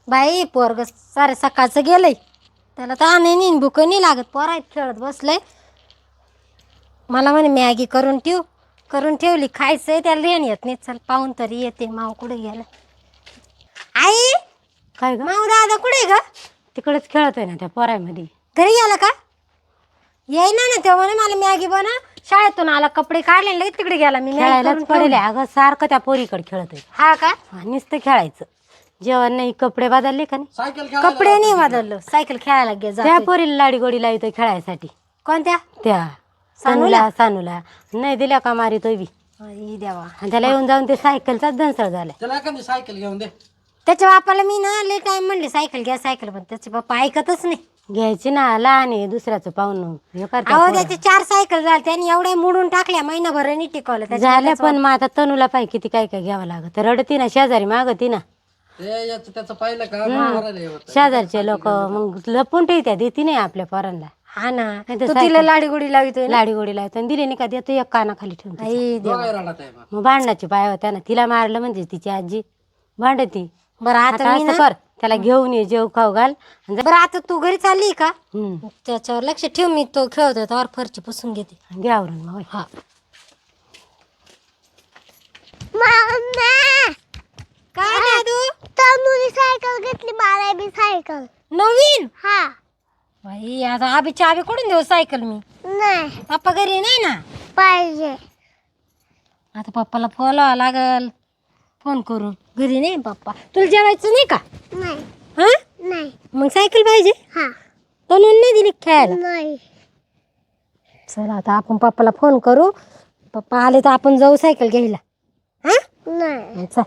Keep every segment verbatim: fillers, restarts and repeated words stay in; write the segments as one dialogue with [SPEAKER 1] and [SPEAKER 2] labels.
[SPEAKER 1] बाई पोरग सारे सकाळचं गेलंय, त्याला तर आणे नाही भूक नाही लागत, पोरात खेळत बसलंय. मला म्हणे मॅगी करून ठेव, करून ठेवली, खायचंय त्याला रेण येत नाही. चल पाहून तरी येते माव कुठे गेला. आई
[SPEAKER 2] काय ग?
[SPEAKER 1] माव दादा कुठे ग?
[SPEAKER 2] तिकडेच खेळतोय ना त्या पोरामध्ये.
[SPEAKER 1] घरी गेला का? येई ना ना तेव्हा मला मॅगी बनव. शाळेतून आला, कपडे काढले, लगेच तिकडे गेला. मी
[SPEAKER 2] खेळायलाच पडेल अगं, सारखं त्या पोरीकडे खेळतोय.
[SPEAKER 1] हा का?
[SPEAKER 2] नुसतं खेळायचं, जेवण नाही, कपडे बदलले का नाही?
[SPEAKER 1] कपडे नाही बदललो, सायकल खेळायला गे
[SPEAKER 2] त्या
[SPEAKER 1] जातोय.
[SPEAKER 2] पोरीला लाडी गोडी लावतोय खेळायसाठी.
[SPEAKER 1] कोणत्या?
[SPEAKER 2] त्या सानूला सानूला नाही दिल्या का मारितोय बी.
[SPEAKER 1] आई देवा.
[SPEAKER 2] आणि त्याला येऊन जाऊन ते सायकलचाच दंसळ झालाय.
[SPEAKER 3] त्याला एखादी सायकल घेऊन दे.
[SPEAKER 1] त्याच्या बापाला मी ना लय टाइम म्हणले सायकल घ्या सायकल, पण त्याचे बाप्पा ऐकतच नाही.
[SPEAKER 2] घ्यायची ना, लहान आहे, दुसऱ्याचं पाहून हे करते
[SPEAKER 1] अहो
[SPEAKER 2] पोरं.
[SPEAKER 1] त्याचे चार सायकल झाले, त्याने एवढ्या मोडून टाकल्या, महिनाभर नाही टिकवलं त्याच्या.
[SPEAKER 2] झाल्या, पण मग आता तनूला पाहिजे किती काय काय घ्यावं लागत. रडती ना, शेजारी मागती ना,
[SPEAKER 3] ते याचं त्याचं पाहिलं का मारायला येत.
[SPEAKER 2] शेजारचे लोक मग लपून ठेवत्या, देती नाही आपल्या पोरांना.
[SPEAKER 1] हा ना,
[SPEAKER 2] नाही तर
[SPEAKER 1] तू
[SPEAKER 2] सायकल-
[SPEAKER 1] तिला लाडी गुडी लावितोय ना.
[SPEAKER 2] लाडी गोडी लावतो आणि दिली नाही का देतो एक कानाखाली ठेवून तिच्या.
[SPEAKER 1] आई देवा.
[SPEAKER 3] दोघाही रडत आहे बा.
[SPEAKER 2] मग भांडणाची पाय होत्या ना, तिला मारलं म्हणजे तिची आजी भांडती.
[SPEAKER 1] बरं आता
[SPEAKER 2] आता
[SPEAKER 1] मी
[SPEAKER 2] असं
[SPEAKER 1] ना,
[SPEAKER 2] कर, त्याला घेऊन ये, जेव खाऊ घाल आणि जा.
[SPEAKER 1] बरं आता तू घरी चालली का?
[SPEAKER 2] हम्म,
[SPEAKER 1] त्याच्यावर लक्ष ठेव, मी तो खेळतोय त्यावर फरची पुसून घेते.
[SPEAKER 2] घे आवरून मग.
[SPEAKER 1] हा. काय दादू?
[SPEAKER 4] तनुनी सायकल घेतली, मला बी सायकल.
[SPEAKER 1] नवीन?
[SPEAKER 4] हा.
[SPEAKER 1] बाई आता आबी चाबी कुठून देऊ सायकल मी?
[SPEAKER 4] नाही
[SPEAKER 1] पप्पा घरी नाही ना.
[SPEAKER 4] पाहिजे.
[SPEAKER 1] आता पप्पाला फोन लावा लागल, फोन करून. घरी नाही पप्पा. तुला जेवायचं नाही का?
[SPEAKER 4] नाही
[SPEAKER 1] हा
[SPEAKER 4] नाही.
[SPEAKER 1] मग सायकल पाहिजे.
[SPEAKER 4] हा.
[SPEAKER 1] तनुन नाही दिली खेळायला.
[SPEAKER 4] नाही.
[SPEAKER 1] चला आता आपण पप्पाला फोन करू, पप्पा आले तर आपण जाऊ सायकल घ्यायला. हा
[SPEAKER 4] नाही.
[SPEAKER 1] चल.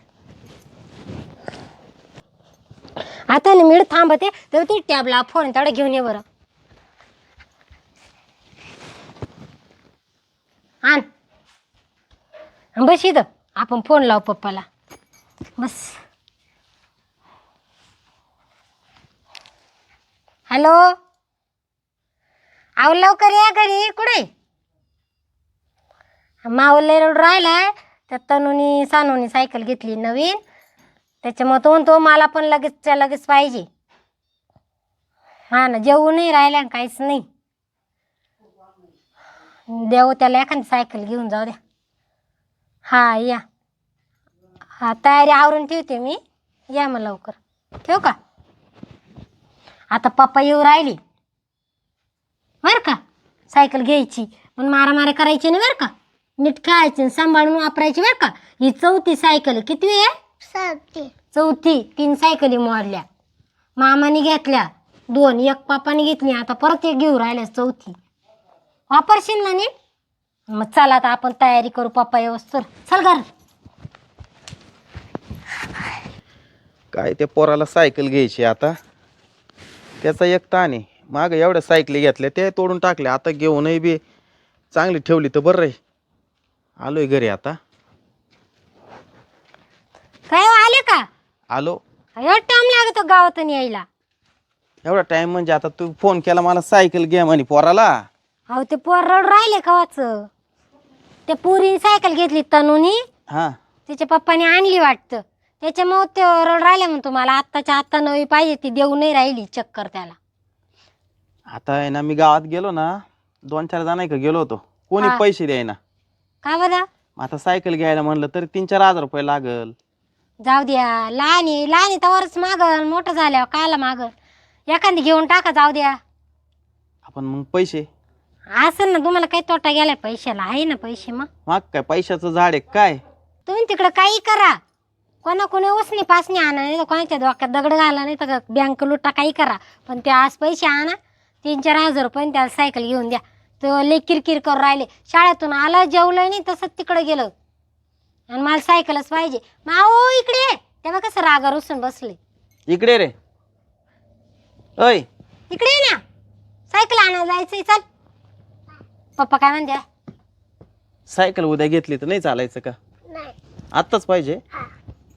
[SPEAKER 1] आता ना मी थांबते, तर ती टॅबला फोन तेवढा घेऊन ये बरं. आण बस इथं, आपण फोन लावू पप्पाला. बस. हॅलो, आव लवकर या घरी. कुठे मावले रोड राहिलाय, त्या तनुनी सानूनी सायकल घेतली नवीन, त्याच्यामुळे तो म्हणतो मला पण लगेचच्या लगेच पाहिजे. हा ना, जेवू नाही राहिल्या काहीच नाही. देऊ त्याला एखादी सायकल घेऊन जाऊ द्या. हा या. हा तयारी आवरून ठेवते मी, या मग लवकर. ठेवू का? आता पप्पा येऊ राहिली बरं का. सायकल घ्यायची पण मारामारी करायची नाही बरं का. नीट खेळायची, सांभाळून वापरायची बरं का. ही चौथी सायकल आहे. किती आहे?
[SPEAKER 4] सारखी.
[SPEAKER 1] चौथी. तीन सायकली मोडल्या, मामाने घेतल्या दोन, एक पापाने घेतली, आता परत एक घेऊ राहिल्या. चौथी वापरशील ना नीट? मग चला आता आपण तयारी करू, पप्पा येऊस तर. चल घर.
[SPEAKER 5] काय ते पोराला सायकल घ्यायची आता, त्याचा एक ताण आहे. मागं एवढ्या सायकली घेतल्या ते तोडून टाकल्या, आता घेऊनही बी चांगली ठेवली तर बरं आहे. आलोय घरी आता.
[SPEAKER 1] काय हो, आले का?
[SPEAKER 5] आलो.
[SPEAKER 1] एवढा टाइम लागतो गावातून यायला?
[SPEAKER 5] एवढा टाइम म्हणजे आता तू फोन केला मला सायकल घ्या म्हणे पोराला.
[SPEAKER 1] अहो ते पोर रड राहिले कवाच. त्या पुरीने सायकल घेतली तनुनी,
[SPEAKER 5] हा,
[SPEAKER 1] तिच्या पप्पाने आणली वाटतं, त्याच्यामुळे ते रड राहिले म्हणतो मला आत्ताच्या आत्ता नवी पाहिजे. ती देऊ नाही राहिली चक्कर त्याला.
[SPEAKER 5] आता आहे ना, मी गावात गेलो ना, दोन चार जण का गेलो होतो, कोणी
[SPEAKER 1] हा.
[SPEAKER 5] पैसे द्याय ना.
[SPEAKER 1] का बरं?
[SPEAKER 5] आता सायकल घ्यायला म्हणलं तरी तीन चार हजार रुपये लागल.
[SPEAKER 1] जाऊ द्या, लहान आहे लहान आहे तवरच मागल, मोठं झाल्यावर काला मागल. एखादी घेऊन टाका, जाऊ द्या.
[SPEAKER 5] आपण मग पैसे
[SPEAKER 1] असेल ना तुम्हाला काही तोटा गेलाय पैशाला? आहे ना पैसे. मग
[SPEAKER 5] माग काय पैशाचं झाड आहे काय?
[SPEAKER 1] तुम्ही तिकडं काही करा, कोणा कोणी उसनी पासणी आणा, नाही तर कोणाच्या डोक्यात दगड घाला, नाही तर बँक लुटा, काही करा, पण ते आज पैसे आणा. तीन चार हजार रुपये त्याला सायकल घेऊन द्या. तो लय किरकिर करून राहिले. शाळेतून आलं, जेवलं नाही, तसंच तिकडं गेलं आणि मला सायकलच पाहिजे. माओ इकडे, तेव्हा कसं रागावर उसून बसले.
[SPEAKER 5] इकडे रे. अय
[SPEAKER 1] इकडे ये ना, सायकल आणायला जायचंय. चल. पप्पा काय म्हणते?
[SPEAKER 5] सायकल उद्या घेतली तर नाही चालायचं का?
[SPEAKER 4] नाही.
[SPEAKER 5] आत्ताच पाहिजे.
[SPEAKER 4] हा.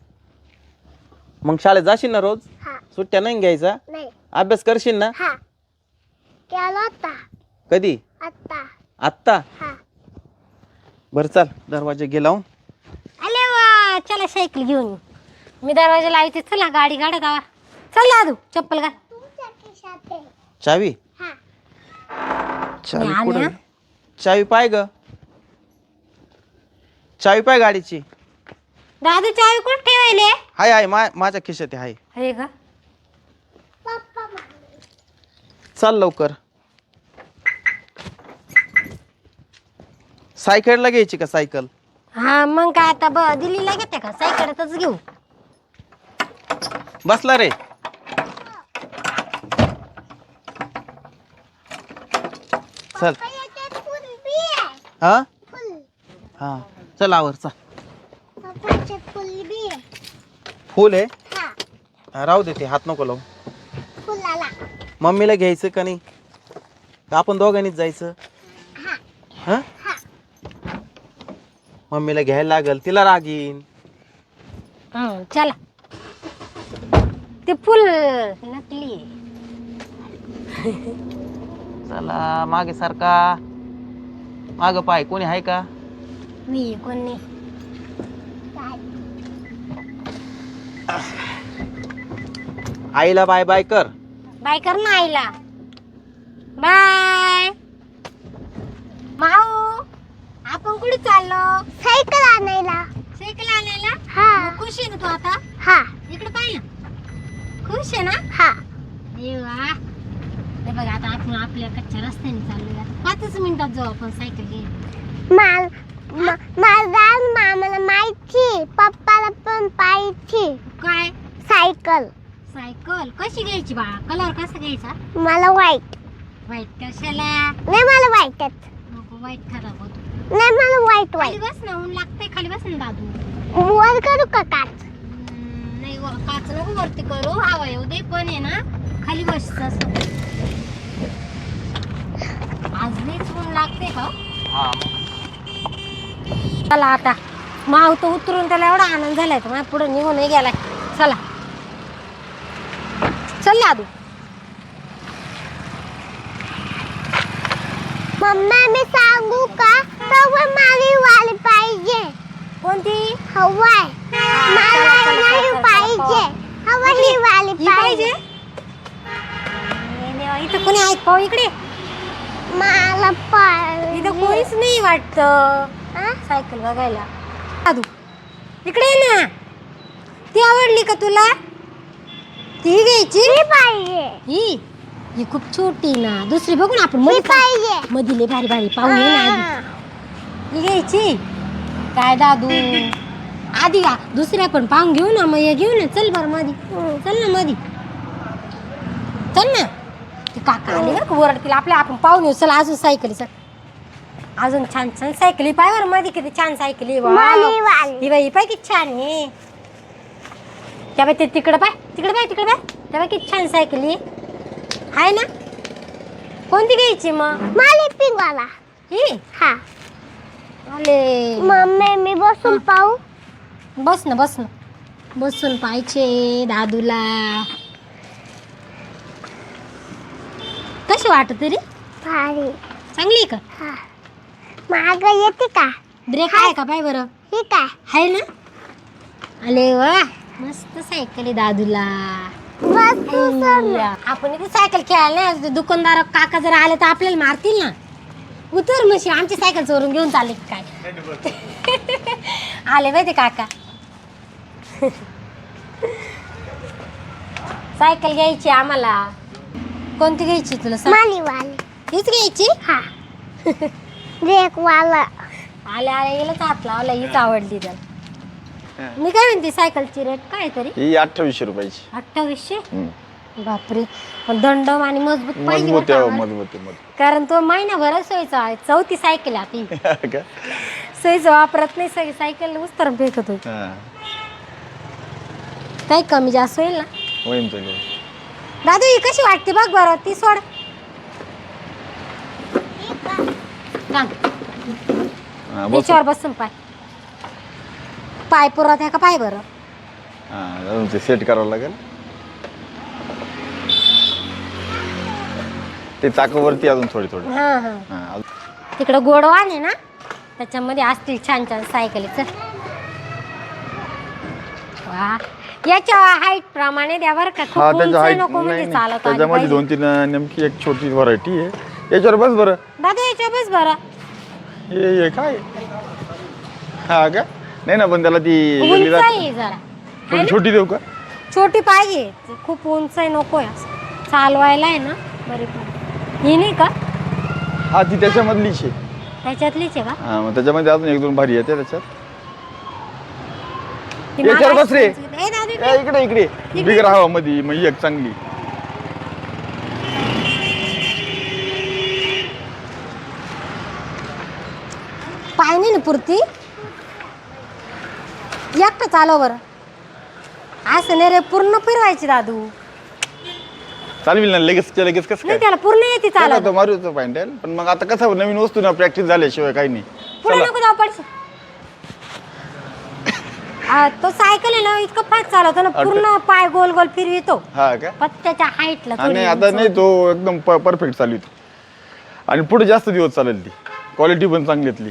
[SPEAKER 5] मग शाळेत जाशील ना रोज?
[SPEAKER 4] हा.
[SPEAKER 5] सुट्ट्या नाही घ्यायचा?
[SPEAKER 4] नाही.
[SPEAKER 5] अभ्यास करशील ना?
[SPEAKER 4] हा. केला होता.
[SPEAKER 5] कधी?
[SPEAKER 4] आता.
[SPEAKER 5] आत्ता?
[SPEAKER 4] हा.
[SPEAKER 5] बरं चाल, दरवाजा गे लावून.
[SPEAKER 1] अरे वा, चला सायकल घेऊन येऊ. मी दरवाजा लावते. चला गाडी गाडत आवा. चल दादू चप्पल घाल.
[SPEAKER 4] तुमच्या खिशात आहे.
[SPEAKER 5] चावी
[SPEAKER 4] हा.
[SPEAKER 5] चावी
[SPEAKER 1] मी आली
[SPEAKER 5] कुठे
[SPEAKER 1] हं.
[SPEAKER 5] चावी पाय ग चावी पाय गाडीची.
[SPEAKER 1] दादू चावी कुठे ठेवायले?
[SPEAKER 5] हाय हाय मा माझ्या खिशात आहे. हाय
[SPEAKER 1] हे का?
[SPEAKER 4] पप्पा मारले.
[SPEAKER 5] चाल लवकर. सायकलला घ्यायची का सायकल?
[SPEAKER 1] हा मग काय आता ब दिल्लीला घेते का सायकलच घेऊ.
[SPEAKER 5] बसला रे. चल
[SPEAKER 4] पप्पा याच्यात फुल बी आहे.
[SPEAKER 5] हा
[SPEAKER 4] फुल.
[SPEAKER 5] हा चल आवर चल.
[SPEAKER 4] पप्पा याच्यात फुल बी आहे.
[SPEAKER 5] फुल आहे
[SPEAKER 4] हा.
[SPEAKER 5] हा, राहू दे ते हात नको लावू.
[SPEAKER 4] फुलाला.
[SPEAKER 5] मम्मीला घ्यायचं का नाही का आपण दोघांनीच जायचं?
[SPEAKER 4] हा.
[SPEAKER 5] हा
[SPEAKER 4] हा.
[SPEAKER 5] मम्मीला घ्यायला लागल तिला राग येईन.
[SPEAKER 1] हं, चला. ते फुल नकली.
[SPEAKER 5] चला मागे सारखा माग पाय कोणी आहे का?
[SPEAKER 1] मी कोणी
[SPEAKER 5] आईला बाय बाय कर.
[SPEAKER 1] बाय कर ना आईला. बाय माऊ. आपण कुठे चाललो?
[SPEAKER 4] सायकल आणायला.
[SPEAKER 1] सायकल आणायला.
[SPEAKER 4] हा.
[SPEAKER 1] मग खुश आहे ना तू आता?
[SPEAKER 4] हा.
[SPEAKER 1] इकडे पाहिलं खुश आहे ना?
[SPEAKER 4] हा.
[SPEAKER 1] अरे वा. हे बघ आता आपण आपल्या कच्च्या रस्त्याने चाललोय. पाचच मिनिटात जाऊ आपण सायकल घेऊन.
[SPEAKER 4] माल माझा मामाला माहिती पप्पाला पण पाहिजे
[SPEAKER 1] काय
[SPEAKER 4] सायकल.
[SPEAKER 1] सायकल कशी घ्यायची बाळा? कलर कसा घ्यायचा?
[SPEAKER 4] मला वाईट.
[SPEAKER 1] व्हाईट कशाला?
[SPEAKER 4] नाही मला वाईटच.
[SPEAKER 1] नको व्हाईट खराब होतो.
[SPEAKER 4] नाही मला वाईट
[SPEAKER 1] खाली
[SPEAKER 4] वाईट.
[SPEAKER 1] बस ना ऊन लागतंय. खाली बस ना दादू.
[SPEAKER 4] वर करू का काच?
[SPEAKER 1] हम्म, नाही व- काच नको वरती करू. हवा येऊ दे पण आहे ना खाली बस असं. आज लईच ऊन लागते का?
[SPEAKER 5] हा
[SPEAKER 1] चला आता माव तर उतरून त्याला एवढा आनंद झालाय तर माझ्या पुढे निघूनही गेलाय. चला चल दादू.
[SPEAKER 4] मम्मा मी सांगू का तवा मारी वाली पाहिजे.
[SPEAKER 1] कोणती?
[SPEAKER 4] हवाय. मला नाही पाहिजे. हवाली वाली
[SPEAKER 1] ही पाहिजे?
[SPEAKER 4] पाहिजे.
[SPEAKER 1] अरे देवा, इथं कोणी आहेत पाहू इकडे.
[SPEAKER 4] मला पाहिजे.
[SPEAKER 1] इथं कोणीच नाही वाटत
[SPEAKER 4] हा?
[SPEAKER 1] सायकल बघायला. दादू इकडे ये ना. ती आवडली का तुला? ती घ्यायची.
[SPEAKER 4] ही पाहिजे.
[SPEAKER 1] ही ही खूप छोटी ना. दुसरी बघू ना आपण
[SPEAKER 4] ही
[SPEAKER 1] मध्ये
[SPEAKER 4] पाहिजे.
[SPEAKER 1] मधीले भारी भारी पाहून ये ना आधी.
[SPEAKER 4] हा.
[SPEAKER 1] ही घ्यायची काय दादू? आधी का दुसऱ्या पण पाहून घेऊ ना. मग हे घेऊ ना. चल बरं मधी. चल ना मधी. चल ना. ती काका आली बरं का ओरडतील आपल्या. आपण पाहून येऊ. चल अजून सायकली. चल अजून छान छान सायकली पाय बरं मध्ये किती छान सायकली.
[SPEAKER 4] माली वाली.
[SPEAKER 1] ही बाई ही पाय किती छान आहे. त्या बाई ते तिकडं पाय तिकडे पाय तिकडे पाय. त्या बाई किती छान सायकली आहे ना. कोणती घ्यायची मग?
[SPEAKER 4] माली पिंगवाला.
[SPEAKER 1] ही
[SPEAKER 4] हा.
[SPEAKER 1] आले.
[SPEAKER 4] मम्मी मी बसून पाहू.
[SPEAKER 1] बस ना बस ना. बसून पाहिजे दादूला. कशी वाटत तरी?
[SPEAKER 4] भारी.
[SPEAKER 1] चांगली आहे का?
[SPEAKER 4] हा. माग येते का?
[SPEAKER 1] ब्रेक आहे का पाय बरं?
[SPEAKER 4] ही काय?
[SPEAKER 1] आहे ना. अरे वा मस्त सायकल आहे दादूला.
[SPEAKER 4] बस तू सर.
[SPEAKER 1] आपण इथे सायकल खेळायला नाही. ते दुकानदार काका जर आले तर आपल्याला मारतील ना. उतर मशी आमची सायकल चोरून घेऊन चालले की काय? आले बाई ते काका. सायकल घ्यायची आम्हाला. कोणती घ्यायची तुला सांग?
[SPEAKER 4] माली वाली.
[SPEAKER 1] हीच घ्यायची.
[SPEAKER 4] हा. ब्रेक वाला.
[SPEAKER 1] आले आले गेलंच हात लावला. हीच आवडली त्याला. मी काय म्हणते सायकलची रेट काय तरी?
[SPEAKER 6] ही अठ्ठावीसशे रुपयाची.
[SPEAKER 1] अठ्ठावीसशे. बापरे. पण दंडम आणि मजबूत पाहिजे
[SPEAKER 6] मजबूत
[SPEAKER 1] बरं
[SPEAKER 6] आहे
[SPEAKER 1] का
[SPEAKER 6] हो,
[SPEAKER 1] आम्हाला.
[SPEAKER 6] मजबूत आहे, मजबूत.
[SPEAKER 1] कारण तो महिनाभर सोयीचा आहे. चौथी सायकल आहे आता ही.
[SPEAKER 6] का?
[SPEAKER 1] सोयीचं वापरत नाही. सगळी सायकल उस्तर फेकत होती.
[SPEAKER 6] हा.
[SPEAKER 1] काही कमी जास्त होईल ना.
[SPEAKER 6] होईन चालेल.
[SPEAKER 1] दादू ही कशी वाटते बघ बरं. ती सोड. सांग
[SPEAKER 6] हा, बस.
[SPEAKER 1] त्याच्यावर बसून पाय. पाय पुरत आहे का पाय बरं.
[SPEAKER 6] हा, अजून ते सेट करावं लागेल. ते चाकावरती अजून थोडी थोडी.
[SPEAKER 1] हा हा.
[SPEAKER 6] हा, अजून-
[SPEAKER 1] तिकडं गोडवान आहे ना. त्याच्यामध्ये असतील छान छान सायकली. चल वा याच्या हाईट प्रमाणे द्या बरं का. खूप
[SPEAKER 6] हा
[SPEAKER 1] उंच
[SPEAKER 6] त्याच्या height-
[SPEAKER 1] नको
[SPEAKER 6] नाही,
[SPEAKER 1] म्हणजे
[SPEAKER 6] नाही.
[SPEAKER 1] चालत आली
[SPEAKER 6] त्याच्यामध्ये
[SPEAKER 1] पाहिजे.
[SPEAKER 6] दोन तीन अं, नेमकी एक छोटी व्हरायटी आहे याच्यावर बस बरं.
[SPEAKER 1] दादा याच्या बस बरं.
[SPEAKER 6] हे हे काय हा का नाही ना पण त्याला ती
[SPEAKER 1] उंच
[SPEAKER 6] वेगळी जात-
[SPEAKER 1] आहे जरा.
[SPEAKER 6] थोडी छोटी देऊ का
[SPEAKER 1] छोटी पाहिजे, खूप उंच आहे नको आहे असं. चालवायला आहे ना बरी पाहिजे. ही नाही का
[SPEAKER 6] हा ती त्याच्यामधलीच आहे.
[SPEAKER 1] त्याच्यातलीच आहे का?
[SPEAKER 6] हा मग त्याच्यामध्ये अजून एक दोन भारी येते त्याच्यात.
[SPEAKER 1] ती
[SPEAKER 6] याच्यावर
[SPEAKER 1] मागाशी
[SPEAKER 6] बस रे.
[SPEAKER 1] सांगितली. ए, दादा,
[SPEAKER 6] ए, इकडे इकडे बिगर हवा मध्ये मग एक चांगली.
[SPEAKER 1] पाय नाही ना पुरती. एकटं चालव बरं. असं नाही रे, पूर्ण फिरवायची दादू.
[SPEAKER 6] चालविल ना लगेच लगेच कसं काय
[SPEAKER 1] नाही त्याला पूर्ण येते चालव.
[SPEAKER 6] चालवतो मारूचं पॅन्टल पण मग आता कसं नवीन वस्तू ना प्रॅक्टिस झाल्याशिवाय काही नाही.
[SPEAKER 1] पुढे
[SPEAKER 6] चला.
[SPEAKER 1] नको जाऊ पडशील. आ, तो सायकल आहे ना इतकं फास्ट चालवतो ना, पूर्ण पाय गोल गोल फिरवितो.
[SPEAKER 6] हा का
[SPEAKER 1] पत्त्याच्या हाईटला
[SPEAKER 6] हा, नाही आता नाही तो एकदम परफेक्ट चालवितो आणि पुढे जास्त दिवस चालेल ती क्वालिटी पण चांगलीतली.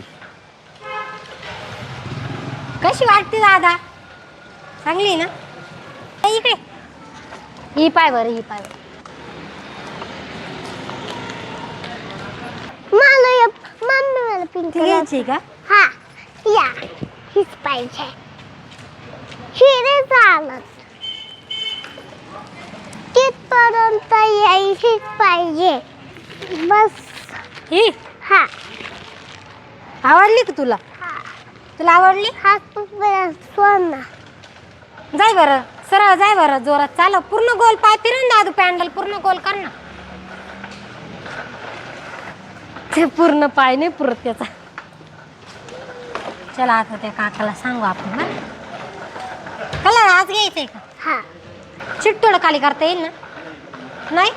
[SPEAKER 1] कशी वाटते दादा? चांगली आहे ना? ए, इकडे ही पाय बरं, ही पाय बरं.
[SPEAKER 4] मला या मम्मी मला पिंक
[SPEAKER 1] ती
[SPEAKER 4] कलर.
[SPEAKER 1] घ्यायची का?
[SPEAKER 4] हा या हीच पाहिजे. हिरे चालत तिथपर्यंत यायचीच पाहिजे बस.
[SPEAKER 1] ही
[SPEAKER 4] हा
[SPEAKER 1] आवडली का तुला? तुला आवडली?
[SPEAKER 4] हा तुझ्या सोना.
[SPEAKER 1] जाय बरं, सरळ जाय बरं, जोरात चालव. पूर्ण गोल पाय फिरून दादू, पॅन्डल पूर्ण गोल कर ना. ते पूर्ण पाय नाही पुरत त्याचा. चला आता त्या काकाला सांगू आपण ना. कलर आज घ्यायचंय का?
[SPEAKER 4] हा
[SPEAKER 1] चिट्टोड खाली करता येईल ना? नाही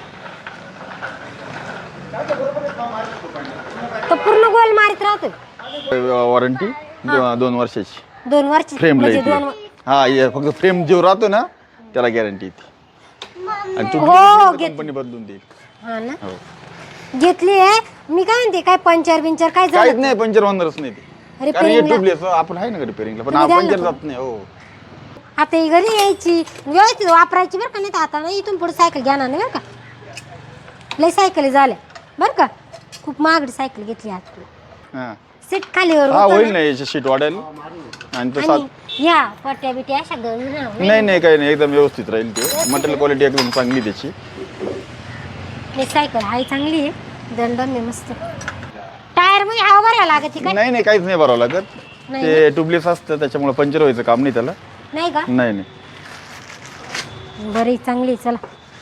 [SPEAKER 1] तो पूर्ण गोल मारित राहतोय.
[SPEAKER 6] वॉरंटी दोन वर्षाची.
[SPEAKER 1] दोन वर्ष
[SPEAKER 6] फ्रेम
[SPEAKER 1] म्हणजे दोन
[SPEAKER 6] हा हे फक्त फ्रेम जो राहतो ना त्याला गॅरंटी येते आणि
[SPEAKER 1] हो, घेत-
[SPEAKER 6] कंपनी बदलून देईल.
[SPEAKER 1] हा ना
[SPEAKER 6] हो
[SPEAKER 1] घेतली आहे मी. काय म्हणते, काय पंचर बिंचर काय
[SPEAKER 6] काहीच
[SPEAKER 1] झालं?
[SPEAKER 6] नाही पंचर होणारच नाही ते कारण हे
[SPEAKER 1] रिपेअरिंगला
[SPEAKER 6] ट्यूबलेस आपण आहे ना रिपेअरिंगला पण
[SPEAKER 1] तुम्ही द्याल
[SPEAKER 6] पंचर
[SPEAKER 1] ना
[SPEAKER 6] जात नाही. हो
[SPEAKER 1] आता ही घरी यायची व्यवस्थित वापरायची बरं का. नाही तर आता ना इथून पुढे सायकल घेणार नाही बरं का. लय सायकली झाल्या बरं का. खूप महागडी सायकल घेतली आता.
[SPEAKER 6] हा
[SPEAKER 1] सीट खालीवर
[SPEAKER 6] हा
[SPEAKER 1] होतं
[SPEAKER 6] होईल
[SPEAKER 1] ना.
[SPEAKER 6] ना याची शीट वाढेल आणि तो सात
[SPEAKER 1] आणि या पट्ट्या बिट्या अशा गळून नाही.
[SPEAKER 6] नाही नाही काही नाही एकदम व्यवस्थित राहील ते मटेरियल क्वालिटी एकदम चांगली त्याची.
[SPEAKER 1] ही सायकल हाय चांगली आहे. दंडन आहे मस्त. टायर मध्ये हवा भरायला लागत काय?
[SPEAKER 6] नाही नाही काहीच नाही भरावं लागत
[SPEAKER 1] नाही
[SPEAKER 6] ते ट्यूबलेस असतं त्याच्यामुळे पंचर व्हायचं काम नाही त्याला.
[SPEAKER 1] नाही का?
[SPEAKER 6] नाही नाही
[SPEAKER 1] बरी चांगली. चला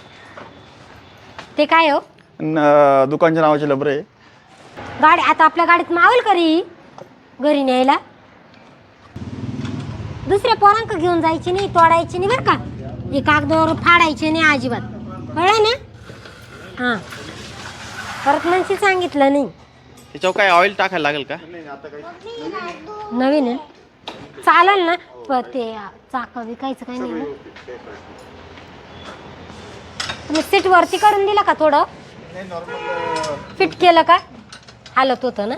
[SPEAKER 1] ते काय हो
[SPEAKER 6] न- दुकानच्या नावाची लबर आहे.
[SPEAKER 1] गाडी आता आपल्या गाडीत मावल करी घरी न्यायला. दुसऱ्या पोरांक घेऊन जायची नाही, तोडायची नाही बरं का. हे कागदावर फाडायचे नाही अजिबात, कळलं ना? हां परत म्हणशी सांगितलं नाही.
[SPEAKER 5] त्याच्यावर काय ऑइल टाकायला लागेल का?
[SPEAKER 1] नवीन आहे चालेल ना. प ते चाक विकायचं काही नाही ना. तुम्ही सीट वरती काढून दिला का थोडं? फिट केलं का? हालत होतं ना.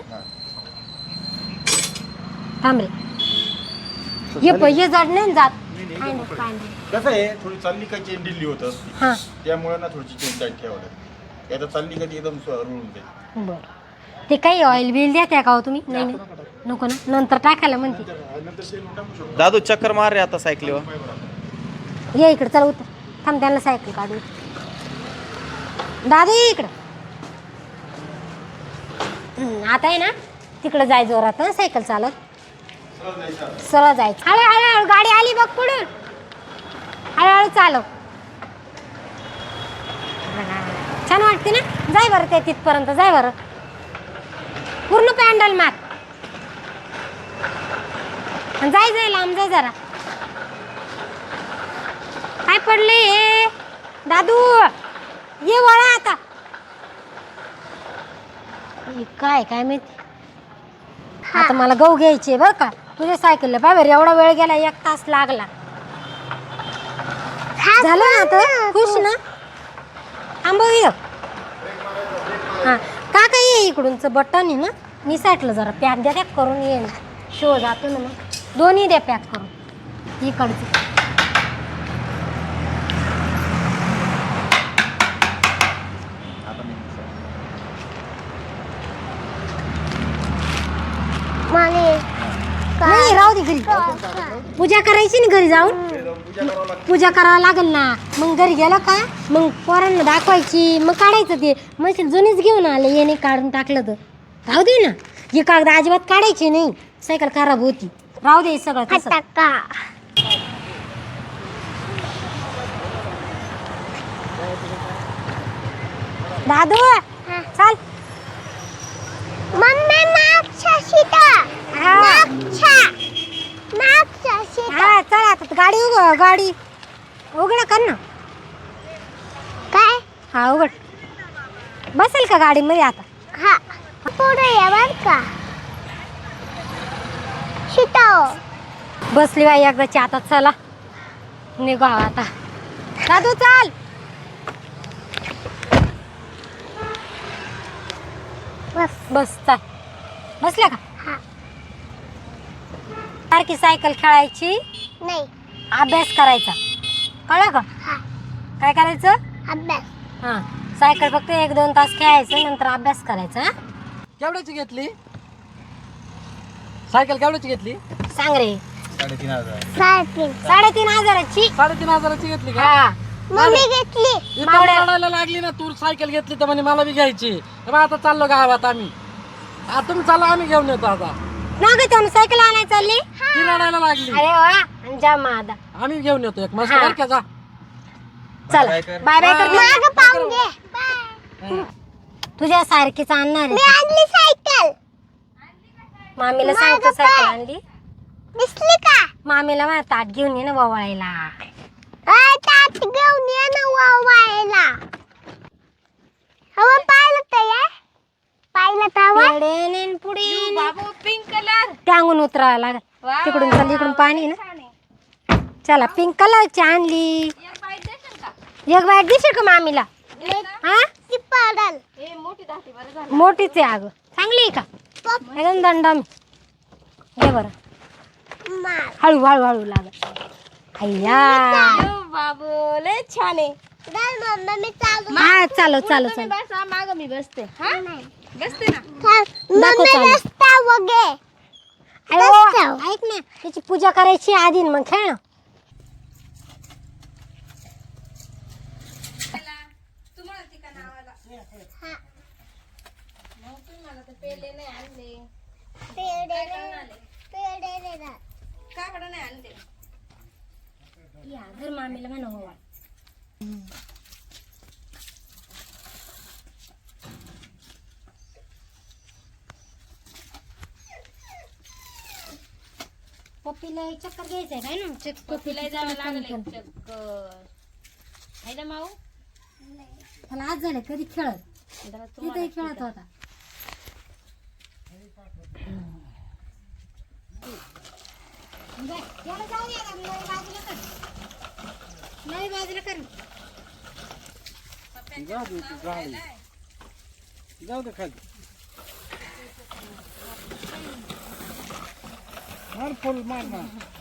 [SPEAKER 1] थांब रे, हे पहिजे जड नाही जात. काय नाही, काय नाही.
[SPEAKER 6] कसं आहे थोडी चालली का चेन ढिल्ली होत असते
[SPEAKER 1] हां
[SPEAKER 6] त्यामुळे ना थोडीशी चेन टाईट ठेवावं लागते. आता चालली कधी एकदम रुळून जाईल.
[SPEAKER 1] बरं. ते काही ऑइल बिल द्या त्या का हो तुम्ही? नाही नाही नको ना, नंतर टाकायला म्हणते.
[SPEAKER 5] दादू चक्कर मार रे आता सायकलीवर.
[SPEAKER 1] ये इकडे चला उतर. थांब त्यांना सायकल काढू. दादा ये इकडं. हम्म, आता आहे ना तिकडं जाय जोरात ना सायकल चालत. सरळ जायचं. हळू हळू गाडी आली बघ पुढून. हळूहळू चालव. छान वाटते ना. जाय बरं ते तिथपर्यंत जाय बरं. पूर्ण पॅन्डल मार. जाय जाय लांब जाय जरा. काय पडले हे दादू? ये वळा आता. हे काय काय माहिती. आता मला गहू घ्यायचे बरं का. तुझ्या सायकलला बाहेर एवढा वेळ गेला, एक तास लागला. झालं ना आता? खुश ना? आंबो ये. हां काका ये इकडूनचं बटन आहे ना निसाटलं जरा. पॅक द्या त्या करून ये ना. शो जातो ना मग. दोन्ही द्या पॅक करून. इकडचं पूजा करायची ना घरी जाऊन पूजा करावं लागेल ना. मग घरी गेलं का मग पोरांना दाखवायची मग काढायचं ते मशीन जुनीच घेऊन आले येणे काढून टाकलं तर राहू दे ना. ही कागद अजिबात काढायची नाही सायकल खराब होती. राहू दे सगळं तसं.
[SPEAKER 4] फटाका
[SPEAKER 1] दादू चल.
[SPEAKER 4] मम्मी मागच्या सीटा
[SPEAKER 1] हा
[SPEAKER 4] मागच्या मागच्या सीटा
[SPEAKER 1] हा चल आता गाडी उघड गाडी उघड कर ना.
[SPEAKER 4] काय
[SPEAKER 1] हा उघड. बसेल का गाडीमध्ये आता.
[SPEAKER 4] हा पुढे या बर का सीटा
[SPEAKER 1] बसली बाई एकदाची. आता चला निघू आता. दादू चाल.
[SPEAKER 4] बस
[SPEAKER 1] बस चाल. बसल्या का.
[SPEAKER 4] हा
[SPEAKER 1] सारखी सायकल खेळायची
[SPEAKER 4] नाही
[SPEAKER 1] अभ्यास करायचा कळलं का.
[SPEAKER 4] हा
[SPEAKER 1] काय करायचं.
[SPEAKER 4] अभ्यास
[SPEAKER 1] हां सायकल फक्त एक दोन तास खेळायचं नंतर अभ्यास करायचा. हा?
[SPEAKER 3] केवढ्याची घेतली सायकल केवढ्याची घेतली.
[SPEAKER 1] सांग रे.
[SPEAKER 3] साडेतीन हजार
[SPEAKER 4] साडेतीन
[SPEAKER 1] साडेतीन हजाराची.
[SPEAKER 3] साडेतीन हजाराची घेतली का.
[SPEAKER 1] हा
[SPEAKER 4] मम्मी घेतली
[SPEAKER 3] इथं रडायला लागली ना तू सायकल घेतली तर म्हणे मला बी घ्यायची. मग आता चाललो गावात आम्ही. आता तुम्ही चाललो आम्ही घेऊन येतो आता.
[SPEAKER 1] ना ग त्यानं सायकल आणायला चालली.
[SPEAKER 3] ती रडायला लागली
[SPEAKER 1] अरे वा जा मादा.
[SPEAKER 3] आम्ही घेऊन येतो एक मस्त
[SPEAKER 1] हा.
[SPEAKER 3] बरं का जा.
[SPEAKER 1] चल बाय बाय कर.
[SPEAKER 4] माग पाहून घे बाय.
[SPEAKER 1] तुझ्या सारखीच आणणार
[SPEAKER 4] मी
[SPEAKER 1] आहे.
[SPEAKER 4] आणली सायकल
[SPEAKER 1] मामीला सांगतो सायकल आणली.
[SPEAKER 4] दिसली का
[SPEAKER 1] मामीला मला ताट घेऊन ये ना ववाळायला.
[SPEAKER 4] अय तात घेऊन ये ना वावायला. हवा पाहिलं तर या पाहिलं तर
[SPEAKER 1] पेढे नेन पुढे बाबू पिंक कलर टांगून उतरावं लागेल. तिकडून चल इकडून पाणी ना. चला पिंक कलरची आणली. एक बाईट देशील का मामीला. हा
[SPEAKER 4] ती पडल
[SPEAKER 1] मोठीच आहे अगं. चांगली आहे का एकदम दंडम. घे बरं
[SPEAKER 4] मार
[SPEAKER 1] हळू हळू हळू लागत. अय्या
[SPEAKER 7] बाबू लय छान आहे.
[SPEAKER 4] दल मम्मा मी चालू
[SPEAKER 1] हा चालो चालो चालो.
[SPEAKER 7] बसा माग मी बसते. हा बसते ना.
[SPEAKER 1] दाखव
[SPEAKER 4] मम्मी
[SPEAKER 1] चालू.
[SPEAKER 4] रस्ता वगे
[SPEAKER 1] अरे वा, ऐक ना त्याची पूजा करायची आधी न मग खेळ ना.
[SPEAKER 4] पेढे पेढे दे ना.
[SPEAKER 1] या घर मामीला म्हणा हो. पप्पीला एक चक्कर घ्यायचंय काय ना. चक
[SPEAKER 7] पप्पीला जावं लागलं एक चक्कर. आहे ना माऊ.
[SPEAKER 1] त्याला आज झालं कधी खेळत तिथेही खेळत होता. याला जाऊ दे आता, नवी बाजूला कर. नवी बाजूला कर.
[SPEAKER 3] जाऊ दे तू गाडी. जाऊ दे खाली. मार फुल मार ना.